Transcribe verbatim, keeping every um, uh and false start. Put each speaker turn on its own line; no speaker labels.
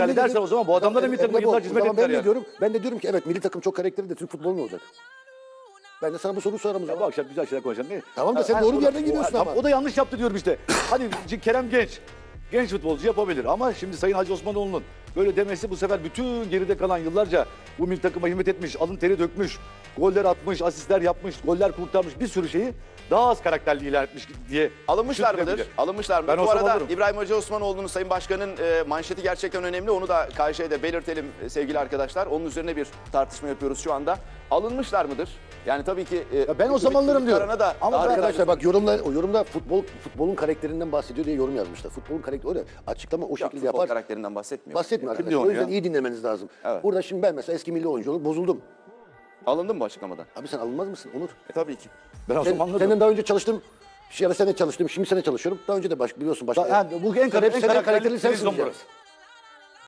Yani dersen o zaman bu adamlar da milli takıma yıllarca hizmet ettiler
ben
ya.
de diyorum, ben de diyorum ki evet milli takım çok karakterli de Türk futbolu ne olacak? Ben de sana bu soruyu sorarım o
Ya bu
zaman.
akşam güzel şeyler konuşalım. Ne?
Tamam da
Ha,
sen
ha,
doğru
o
bir
da-
yerden
o-
gidiyorsun
tamam,
ama.
O da yanlış yaptı diyorum işte. Hadi Kerem genç. Genç futbolcu yapabilir ama şimdi Sayın Hacı Osmanoğlu'nun böyle demesi bu sefer bütün geride kalan yıllarca bu milli takıma hizmet etmiş, alın teri dökmüş, goller atmış, asistler yapmış, goller kurtarmış bir sürü şeyi daha az karakterli ilan etmiş diye
Alınmışlar mıdır?
düşünülebilir.
Alınmışlar mı?
Ben
Bu
olsam
arada
alırım.
İbrahim Hacı Osmanoğlu'nun Sayın Başkan'ın e, manşeti gerçekten önemli. Onu da K J'de belirtelim e, sevgili arkadaşlar. Onun üzerine bir tartışma yapıyoruz şu anda. Alınmışlar mıdır? Yani tabii ki e,
Ya ben o
hükümet
zamanlarım diyorum.
kararına da
Ama
daha
arkadaşlar
detaylı-
bak yorumlar, o yorumda futbol futbolun karakterinden bahsediyor diye yorum yazmışlar. Futbolun karakteri öyle açıklama o
Yok,
şekilde
futbol
yapar.
karakterinden bahsetmiyor.
Bahsetmiyor
Kim
arkadaşlar.
diyor
O
onu
yüzden
ya?
iyi dinlemeniz lazım.
Evet.
Burada şimdi ben mesela eski milli oyuncu olup bozuldum.
Alındın mı bu açıklamadan?
Abi sen alınmaz mısın Onur?
E, tabii ki.
Ben o
Sen,
zaman anladım.
senden daha önce çalıştım. Ya da sen de çalıştım. Şimdi sen de çalışıyorum. Daha önce de baş, biliyorsun başka.
Ha, bu en
Sen hep
en
sen de
karakterli
karakterli sensin
televizyon
diyeceğim.
burası.